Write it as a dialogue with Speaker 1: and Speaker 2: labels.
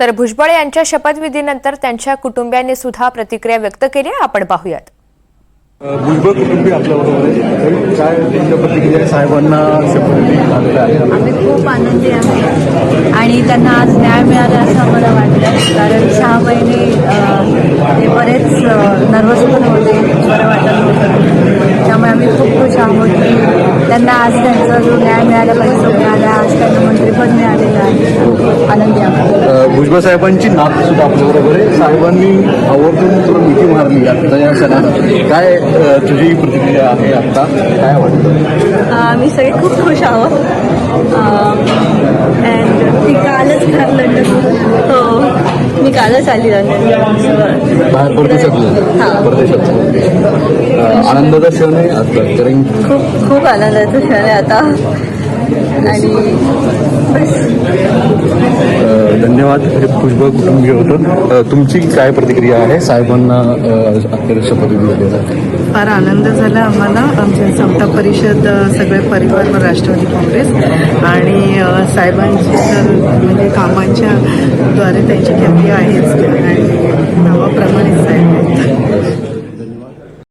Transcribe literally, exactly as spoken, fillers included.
Speaker 1: तर भुजबळ यांच्या शपथविधीनंतर त्यांच्या कुटुंबियांनी सुद्धा प्रतिक्रिया व्यक्त केली आहे. आपण पाहूयात.
Speaker 2: भुजबळ कुटुंबीय आपल्याबरोबर आहे. काय त्यांच्या प्रतिक्रिया साहेबांना शपथविधी झालेला आहे?
Speaker 3: आम्ही खूप आनंदी आहे आणि त्यांना आज न्याय मिळाला असं आम्हाला वाटतं. कारण सहा महिने अ, ते बरेच नर्वस पण होते, बरं वाटत होतं. त्यामुळे आम्ही खूप खुश आहोत की त्यांना आज त्यांचा जो न्याय मिळाला पाहिजे तो मिळाला. आज त्यांना मंत्रिपद मिळालेलं आहे. आनंदी आहोत.
Speaker 2: भुजबळ साहेबांची नात सुद्धा आपल्याबरोबर आहे. साहेबांनी आवर्जून तुला मिठी मारली आता या सणात. काय अ, तुझी प्रतिक्रिया आहे आता? काय वाटतं?
Speaker 3: आम्ही सगळे खूप खुश आहोत. अँड ती कालच घर लंडन हो मी कालच आली लंडन
Speaker 2: बाहेर परदेशातलं
Speaker 3: हां.
Speaker 2: परदेशात अ, आनंदाचा क्षण आहे आता. कारण
Speaker 3: खूप खूप आनंदाचं क्षण आहे आता आणि बस.
Speaker 2: अ, धन्यवाद. हे भुजबळ कुटुंबीय होतं. अ, तुमची काय प्रतिक्रिया आहे? साहेबांना अखेर शपथविधी झालेला आहे.
Speaker 4: फार आनंद झाला आम्हाला. आमच्या समता परिषद अ, सगळे परिवार व राष्ट्रवादी काँग्रेस आणि अ, साहेबांची तर म्हणजे कामांच्या द्वारे त्यांची ख्याती आहेच आणि नावाप्रमाणे